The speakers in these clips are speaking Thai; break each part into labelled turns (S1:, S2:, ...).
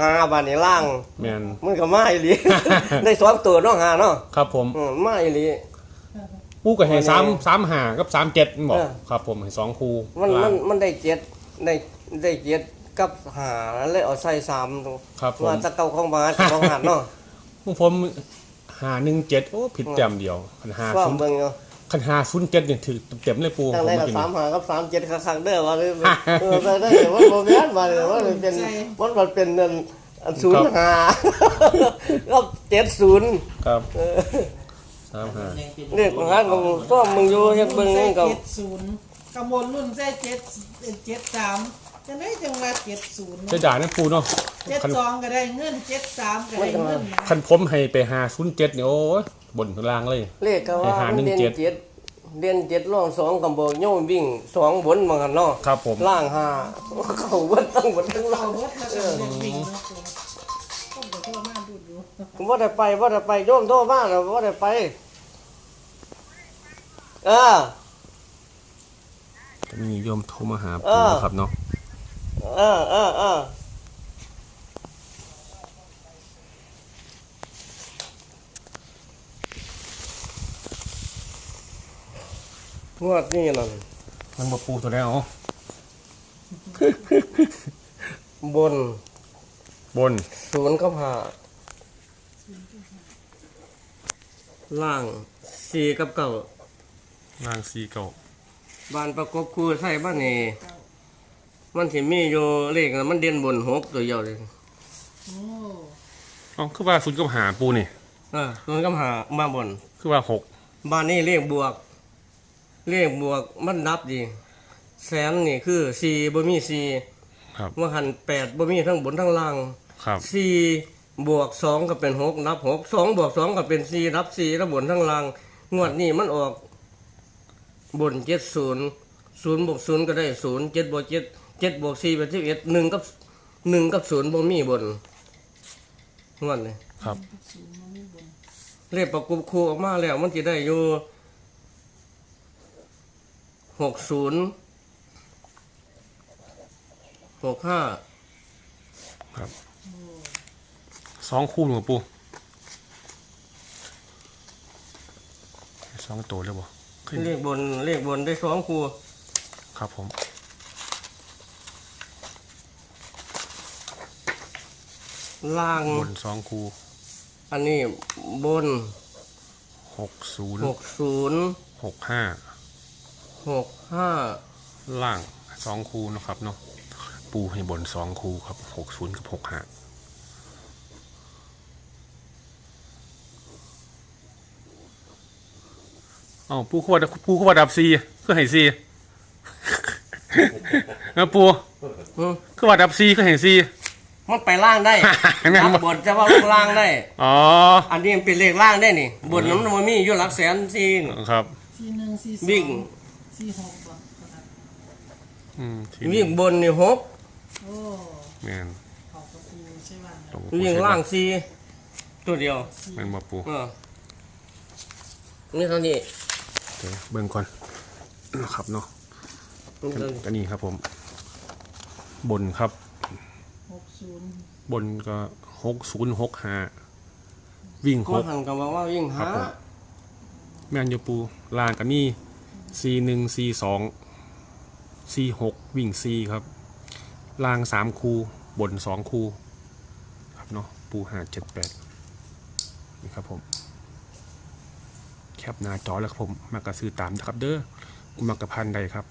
S1: หาบานนี้ล่าง
S2: แม่น
S1: มันก็มาอีหลี ได้สองตัวเนาะหาเนาะ
S2: ครับผม
S1: มาอีหลี
S2: ปูก็ให้3 5กับ37มันบอกครับผมให้2คู่
S1: มันได้เจ็ดได้เจ็ดกับหาเลยเอาใส่3ตรง
S2: ครับผม
S1: ว่าตะเก่าของบาทของหัดเนาะ
S2: ผม517โอ้ผิดแต้มเดียวคัน
S1: ว่าเบิ่งเนาะ
S2: คัน507นี่ถือเต็มเลยปู
S1: จัง
S2: ผม
S1: ได๋
S2: มา
S1: ก็
S2: กิน
S1: 3 5กับ3 7คักๆเด้อว่าเลยได้ว่าบ่แม่นว่าเลยว่าเป็นมันเป็น05กับ70
S2: ครับ35
S1: เรียกงานของซ่อมมึงอยู่เฮ็ดเบิ่งนี่ก็
S3: 70กำบลรุ่นใส่73จังได๋จังว่า70
S2: เสียดายนะปูเนาะ
S3: 72ก็ได้เงิน73ก็ได้เงิน
S2: คันผมให้ไป507นี่โอ้ยบนข้างล่างเลย
S1: เลขก็ว่าเด่น7เด่น7รอง2กำบอกโยมวิ่ง2บนมากันเนาะ
S2: ครับผม
S1: ล่าง5เข้าเบิดทั้งหมดทั้งล่าง
S3: เอารถมาก็เด็กวิ่งเนาะต้องไปโทษมาดูอยู่
S1: บ่ได้ไปโยมโทรมาแล้วบ่ได้ไป
S2: มีโยมโทรมาหาปูครับเนาะ
S1: งวดนี้นั่น
S2: มันมาปูตัวแล้ว
S1: บน 0กับ5ล่าง4กับ9
S2: ล่าง4เก่า
S1: บ้านประกบคู่ใส่บ้านนี่มันสิมีอยู่เลขน่ะมันเด่นบน6ตัวเดียวเลย
S3: โอ้
S2: อ๋อคือว่า0กับ5ปูนี่
S1: 0กับ5มาบน
S2: คือว่า6
S1: บ้านนี้เลขบวกมันนับดีแสนนี่คือ4บ่มี4
S2: ครับ
S1: ว่าหัน8บ่มีทั้งบนทั้งล่าง
S2: ครับ
S1: 4บวก2ก็เป็น6นับ6 2บวก2ก็เป็น4นับ4ทั้งบนทั้งล่างงวดนี้มันออกบน70 0บวก0ก็ได้0 7บวก7 7บวก4เป็น11 1กับ0บ่มีบนงวดนี้
S2: ครับ
S1: เลขประกบคู่ออกมาแล้วมันสิได้อยู่60 65
S2: ครับ2คู่หนูปู2ตัวเลยบ่ขึ้น
S1: เลขบนได้2คู่
S2: ครับผม
S1: ล่าง
S2: บน2คู่
S1: อันนี้บน
S2: 60
S1: 60
S2: 65
S1: 65
S2: ล่าง2คู่เนาะครับเนาะปูให้บน2คู่ครับ60กับ65อ้าวปูขวดดับ4คือให้4นะปูคือว่าดับ4คือให้4
S1: มันไปล่างได้
S2: แม่นบ่
S1: รับบนจะว่าลงล่างได้
S2: อ๋อ
S1: อันนี้มันเป็นเลขล่างได้นี่บนน้ำมันมีอยู่หลักแสนสี่
S2: ครับ
S3: 41 42
S1: วิ่ง
S3: 46บ่
S2: ที่
S1: วิ่งบนนี่6
S3: โอ้
S2: แม่น
S3: เขาก็ปูใช่ว่า
S2: ตรง
S1: วิ่งล่างสี่ตัวเดียว
S2: แม่นบ่ปู
S1: นี่เท่านี้
S2: เดี๋ยวเบิ่งก่อนนะครับเนาะ
S1: นี่เท่านี้
S2: ก็นี่ครับผม บนครับ
S3: 60
S2: บนก็6065วิ่ง
S1: มันหันกับว่าวิ่ง
S2: ครั
S1: หา
S2: บผม แม่นอยู่ปูลานก็มี41 42 46วิ่ง4ครับล่าง3คู่บน2คู่ครับเนาะปู578นี่ครับผมแคปหน้าจอแล้วครับผมมากระซื้อตามนะครับเด้อมากระพันใดครับ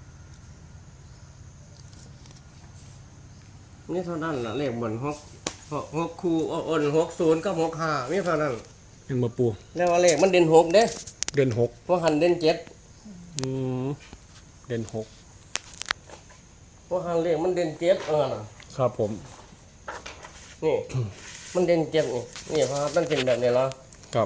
S1: นี่เท่านั้นล่ะเลขบน6คู่อ้น60กับ65มีเท่านั้น
S2: เป็นมาปู
S1: แล้วว่าเลขมันเด่น6เด้
S2: เดือน6
S1: เพราะหันเด่น7
S2: เดือน6
S1: เพราะหันเลขมันเด่น7น่ะ
S2: ครับผม
S1: นี่ มันเด่น7นี่พามันเป็นแบบนี้ละ
S2: กับ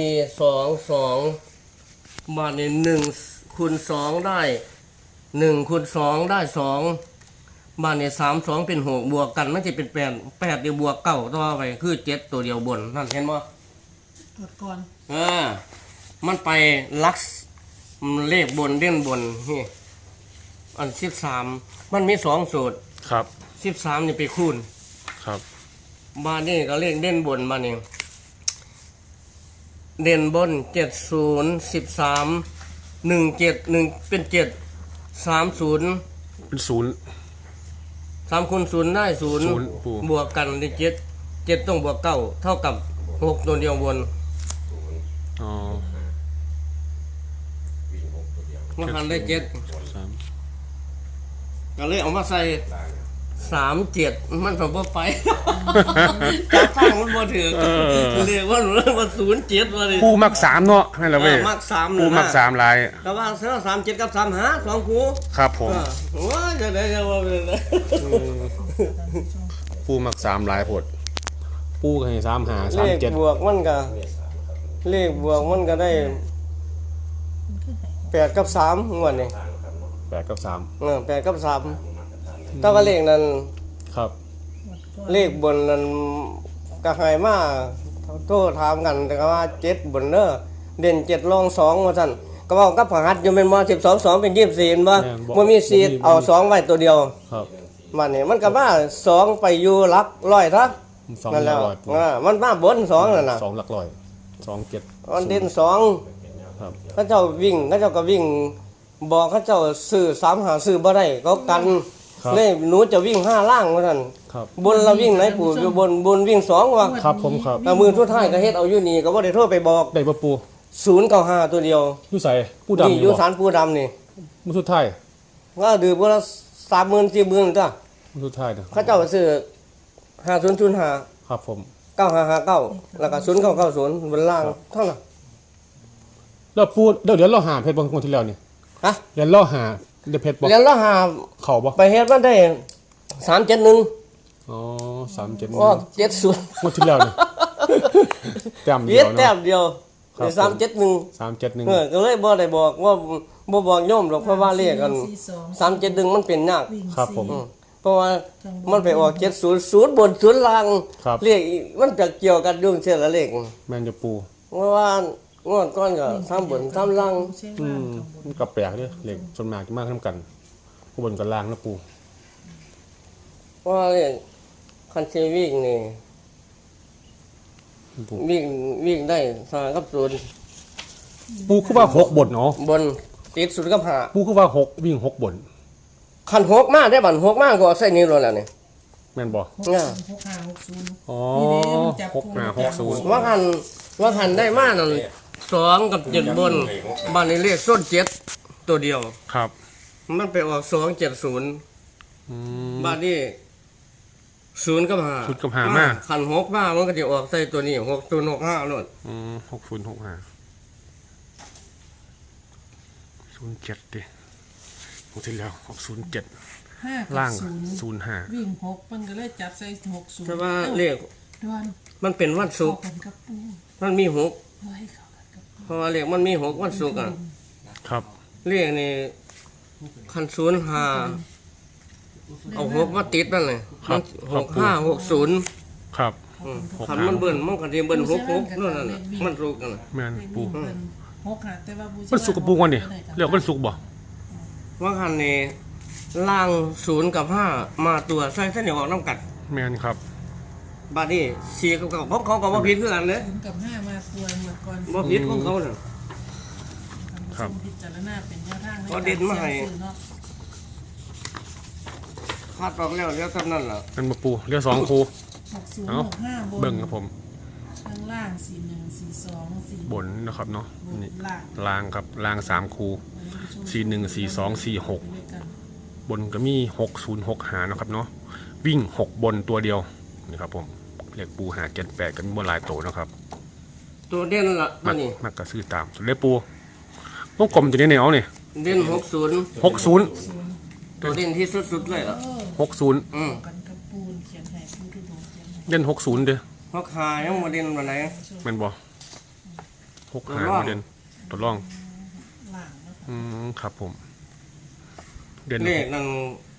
S1: 4 2 2บาทนี่1คูณ2ได้1คูณ2ได้2บาทนี่3 2เป็น6บวกกันมันจะเป็น8 8เดี๋ยวบวก9ต่อไปคือ7ตัวเดียวบนนั่นเห็นบ่
S3: ตรวจก่อน
S1: มันไปลักเลขบนเด่นบนนี่อัน13มันมี2สูตร
S2: ครับ
S1: 13นี่ไปคูณ
S2: ครับ
S1: มานี่ก็เลขเด่นบนมานี่เด่นบน70 13 17 1เป็น7 30
S2: เป็นศูนย์
S1: 3คูณ0ได้
S2: ศูนย์ปู่
S1: 0บวกกันได้7ต้องบวก9เท่ากับ6ตัวเดียวบน
S2: อ๋อ
S1: มันหันได้7
S2: สาม
S1: ก็เลยเอามาใส่37มันบ่ไป จับทางมันบ่ถึงเรียกว่า07ว่าดิ
S2: ปูมักสามเนาะให้ละเว้ย
S1: มัก3
S2: ปูมักสามลาย
S1: แต่ว่าเสือ37กับ35 2คู่
S2: ครับผม
S1: โอ้ยจะได้จะว่าเป็นไง
S2: ปูมักสามลายผดปูก็ให้สามหา
S1: เล
S2: สาม
S1: ข
S2: เจ็ด
S1: บวกมันก็เลขบวกมันก็ได้8กับ3งวดนี่
S2: แปดกับสาม
S1: 8กับ3แต่ว่าเลขนั้น
S2: ครับ
S1: เลขบนนั้นก็ให้มาโทรถามกันแต่ก็ว่า7บนเด้อเด่น7รอง2ว่าซั่นก็เว้ากับพหัสอยู่แม่นบ่12 2เป็น24เห็นบ่บ่มีสิทธิ์เอา2ไว้ตัวเดียว
S2: ครับ
S1: มันนี่มันก็มา2ไปอยู่หลักร้อยทัก
S2: สอง
S1: นั่น
S2: ห
S1: แห
S2: ลั
S1: ล้ว
S2: กร้อยปู
S1: มันมาบน2นั่นน่ะ
S2: สองหลักร้อยสองเจ็ด
S1: มันเด่น2
S2: ครับ
S1: เขาเจ้าวิ่งเขาเจ้าก็วิ่งบอกเขาเจ้าซื้อ3หาซื้อบ่ได้เขากันเลยหนูจะวิ่ง5ล่างว่าซั่น
S2: ครับ
S1: บนเราวิ่งไหนปู่อยู่บนวิ่ง2ว่ะ
S2: ครับผมครับ
S1: แต่มือสุดท้ายก็เฮ็ดเอาอยู่นี่ก็บ่ได้โทรไปบอก
S2: ได้ปะปู
S1: 095ตัวเดียว
S2: อยู่ใส่ปูดำ
S1: นี่
S2: อ
S1: อยู่ ยู่
S2: บ่
S1: ศาลปู่ดำนี่
S2: มือสุดท้าย
S1: ว่าดื่มบ่ละ30,000 40,000ตัว
S2: มือสุดท้ายนะ
S1: เขาเจ้าก็ซื้อ5005
S2: ครับผม
S1: 9559แล้วก็0990บนล่างเท่านั้น
S2: แล้วปูเดี๋ยวเราหาเพชรบางคนที่แล้วนี่
S1: ฮะ
S2: เดี๋ยวเราหาเดี๋ยวเพชรบอก
S1: เรียนละหา
S2: เข่าบ่
S1: ไปเฮ็ดมันได้371
S2: อ๋อ37
S1: ออก70
S2: งวดที่แล้วนี่แต้มเดี
S1: เฮ็
S2: ย
S1: ด
S2: ว
S1: แต้
S2: เนาะ
S1: มเดียว
S2: ครับ
S1: ได้371
S2: 371
S1: ก็เลยบ่ได้บอกว่าบ่บอกโยมหรอกเพราะว่าเลขกัน371มันเป็นยาก
S2: ครับผม
S1: เพราะว่ามันไปออก700บน0ล่าง
S2: ครับ
S1: เลขมันจะเกี่ยวกันยุ่งเชื่อละเลข
S2: แม่นจะปู
S1: เพราะว่างวดก่อนก็3บน3ล่าง
S2: มันก็แปลกเด้อเหล็กส่วนมากจะมากนํกันผู้บนกับล่างนะปู
S1: เพราะว่าเลขคันสิวิ่งนี่
S2: ปู
S1: วิ่งได้3กับ0
S2: ปูคือว่า6บนเนาะ
S1: บนติด0กับ5
S2: ปูคือว่า6วิ่ง6บน
S1: คัน6มาได้บัด6มาก็เอาใส่นี่โลดแล้วนี่
S2: แม่นบ่
S1: ง่า
S2: อ๋อ
S1: ว่าคันได้มานั่น2กับ7บนบ้านนี้เลขส้น7ตัวเดียว
S2: ครับ
S1: มันไปออก270
S2: อืม
S1: บ้านนี้0กับ5
S2: 0กับ5มา
S1: คัน6มามันก็จะออกใส่ตัวนี้6065โลด
S2: 6065 07ดิงวดที่แล้วออก07
S3: 5
S2: ล่าง
S3: 05วิ่ง6มันก็เลยจับใส่60
S1: แต่ว่าเลข
S3: ดวน
S1: มันเป็นวันศุกร์
S3: กันกับปู
S1: มันมี6
S3: ไว้เข้ากันกับปู
S1: เพราะว่าเลขมันมี6วันศุกร์อ่ะ
S2: ครับ
S1: เลขนี่คัน05เอา6มาติดนั่นเลย6560
S2: ครับ
S1: คันมันเบิ่นมันก็สิเบิ่น66นั่นน่ะมันศุกร์กันน่ะ
S2: แม่นปู
S3: วิ่งเป็น6หาแต่ว่าบู
S2: มันสุกกับปูกันนี่เรียกว่ามันสุกบ่
S1: ว่าคันนี้ล่าง0กับ5มาตัวใส่เส้นเหนียวออกน้ำกัด
S2: แม่นครับ
S1: บัดนี้4กับ9ของเขาก็บ่ผิดคือกันเด้
S3: 0กับ5มาตัวหมดก่อน
S1: บ่ผิดของเขาน่ะ
S2: ครับ
S3: พิจารณาเป็นแนวทาง
S1: เอาเด่นมาให้
S3: เสี่ยงซื้อเนาะ
S1: คาดออกแล้วเดี๋ยวเท่านั้นล่ะ
S2: เป็นมาปูเรียก2คู
S3: 60
S2: เอ้า
S3: 65บน
S2: เบิ่งครับผม
S3: ข้างล่าง41 42 4
S2: บนนะครับเนาะ
S3: บน
S2: นี่
S3: ล่าง
S2: ล่างครับล่าง3คู41 42 46
S3: ด้วยกัน
S2: บนก็มี6065หานะครับเนาะวิ่ง6บนตัวเดียวนี่ครับผมเรียกปูหา78กันบนหลายโตนะครับ
S1: ตัวเด่นล่ะ
S2: มั
S1: ตัว
S2: ก
S1: นี้
S2: มักก็ซื้อตามส่วนเรียกปูวงกลมตัวนี้เนี่ยเอานี่
S1: เด่น60
S2: 60
S1: ตัวเด่นที่สุดๆเลยล่ะ
S2: 60
S1: อืม
S3: กันกับปูนเขียนให้ปูทุดงเขียนให้
S2: เด่น60เด้อ
S1: เพราะคายังบ่เด่นปานใด
S2: แม่นบ่6หาบ่เด่นตัวรอง
S3: ล่างเนาะ
S2: ครับผม เด่น
S1: เลขนั้น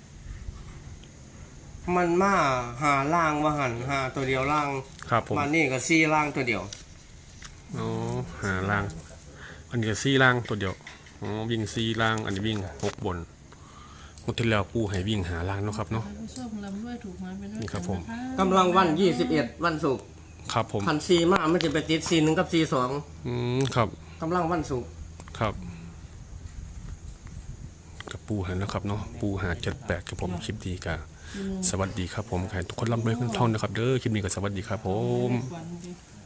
S1: มันมาหาล่างว่าหันหาตัวเดียวล่าง
S2: ครับผม
S1: มันนี่ก็4ล่างตัวเดียว
S2: อ๋อหาล่าง อันนี้ก็4ล่างตัวเดียวอ๋อวิ่ง4ล่าง อันนี้วิ่ง6บนงวดที่แล้วปูให้วิ่งหาล่างเนาะครับเนาะ
S3: ท่านผู้ชมลำด้วยถูกมาเป็นด้วย
S2: นี่ครับผม
S3: กันนะคะ
S1: กำลังวัน21วันศุกร์
S2: ครับผม
S1: พันซีมามันจะไปติดซีหนึ่งกับซีสอง
S2: ครับ
S1: กำลังวันศุกร์
S2: ครับกับปูหันนะครับเนาะปูหา78กับผมคลิปดีกะสวัสดีครับผมใครทุกคนร่ำรวยขึ้นท่องนะครับเด้อคลิปนี้ก็สวัสดีครับผม
S3: วันดี